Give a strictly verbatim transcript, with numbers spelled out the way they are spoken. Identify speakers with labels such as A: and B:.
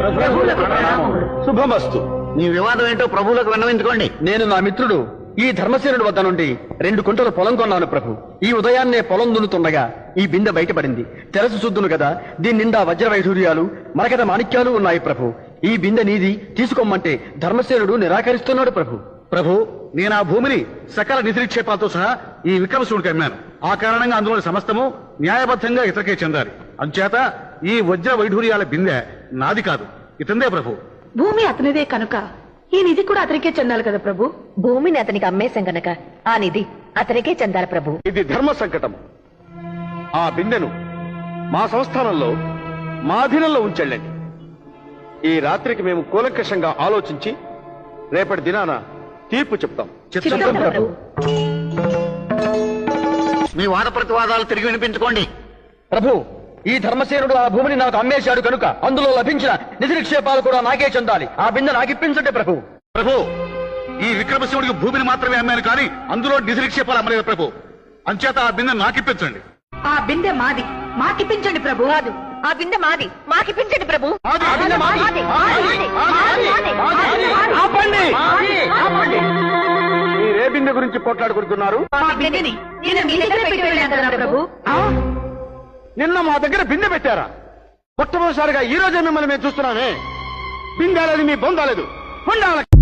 A: శుభమస్తు.
B: మీ వివాదం ఏంటో ప్రభువులకు విన్నవించుకోండి.
A: నేను నా మిత్రుడు ఈ ధర్మసేనుడి వద్ద నుండి రెండు కుంటల పొలం కొన్నాను ప్రభు. ఈ ఉదయాన్నే పొలం దున్నుతుండగా ఈ బిందె బయటపడింది. తెరసు చూద్దును కదా, దీని నిండా వజ్ర వైఢూర్యాలు మరకత మాణిక్యాలు ఉన్నాయి ప్రభు. ఈ బిందె నీది, తీసుకోమంటే ధర్మసేనుడు నిరాకరిస్తున్నాడు ప్రభు.
C: ప్రభు, నేను ఆ భూమిని సకల నిధినిక్షేపాలతో సహా ఈ విక్రమశివుడికి అమ్మాను. ఆ కారణంగా అందులోని సమస్తము న్యాయబద్ధంగా ఇతరకే చెందాలి. అంచేత ఈ వజ్ర వైఢూర్యాల బిందె నాది కాదు, ఇతందే ప్రభు.
D: భూమి అతనిదే కనుక ఈ నిధి కూడా అతనికే చెందాలి కదా ప్రభు.
E: భూమిని అతనికి అమ్మేశాం గనక ఆ నిధి అతనికే చెందాలి ప్రభు.
A: ఇది ధర్మ సంకటం. ఆ బిందెను మా సంస్థానంలో మా అధీనంలో ఉంచెళ్ళండి. ఈ రాత్రికి మేము కూలంకషంగా ఆలోచించి రేపటి దినాన తీర్పు చెప్తాం.
E: చిత్తం ప్రభు.
B: మీ వాద ప్రతివాదాలు తిరిగి వినిపించుకోండి.
A: ప్రభు, ఈ ధర్మసేనుడు ఆ భూమిని నాకు అమ్మేశాడు కనుక అందులో లభించిన నిధి నిక్షేపాలు కూడా నాకే చెందాలి. ఆ బిందె నాకిప్పించండి ప్రభు.
C: ప్రభు, ఈ విక్రమశివుడికి భూమిని మాత్రమే అమ్మాను కానీ అందులో నిధి నిక్షేపాలు అమ్మలేదు ప్రభు. అంచేత ఆ బిందె నాకిప్పించండి.
D: ఆ బిందె మాది, మాకిప్పించండి ప్రభు.
E: కాదు, ఆ బిందె మాది, మాకిప్పించండి ప్రభు.
C: మాది, ఆ బిందె మాది.
E: మాది, మాది, మాది, మాది, మాది.
A: ఆపండి.
E: మాది, ఆపండి.
A: మీరే బిందె గురించి పోట్లాడుకుంటున్నారు?
D: ఆ బిందెని నేను మీ దగ్గర పెట్టి వెళ్ళాను కదా ప్రభు.
A: నిన్న మా దగ్గర బిందె పెట్టారా? మొట్టమొదటిసారిగా ఈ రోజే మిమ్మల్ని మేము చూస్తున్నామే. బిందె లేదు, మీ బొందాలేదు.